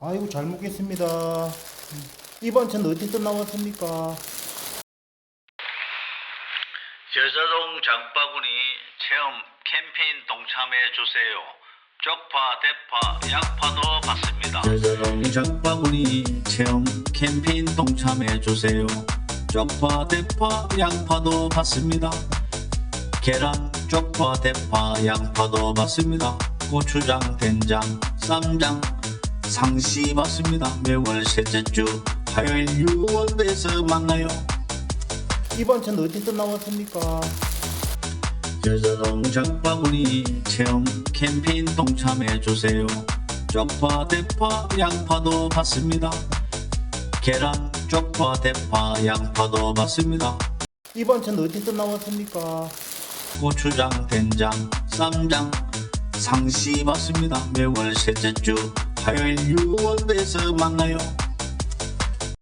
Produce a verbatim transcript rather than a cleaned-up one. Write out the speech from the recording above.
아이고 잘 먹겠습니다. 이번 천 어디서 나왔습니까? 여자동 장바구니 체험 캠페인 동참해 주세요. 쪽파, 대파, 양파도 받습니다. 여자동 장바구니 체험 캠페인 동참해 주세요. 쪽파, 대파, 양파도 받습니다. 계란, 쪽파, 대파, 양파도 받습니다. 고추장, 된장, 쌈장, 상시 받습니다. 매월 셋째 주 화요일 유월에서 만나요. 이번 천 어디서 나왔습니까? 여자동 장바구니 체험 캠페인 동참해 주세요. 쪽파, 대파, 양파도 받습니다. 계란, 쪽파, 대파, 양파도 받습니다. 이번 천 어디서 나왔습니까? 고추장, 된장, 쌈장, 상시 받습니다. 매월 셋째 주 화요일 유월에서 만나요.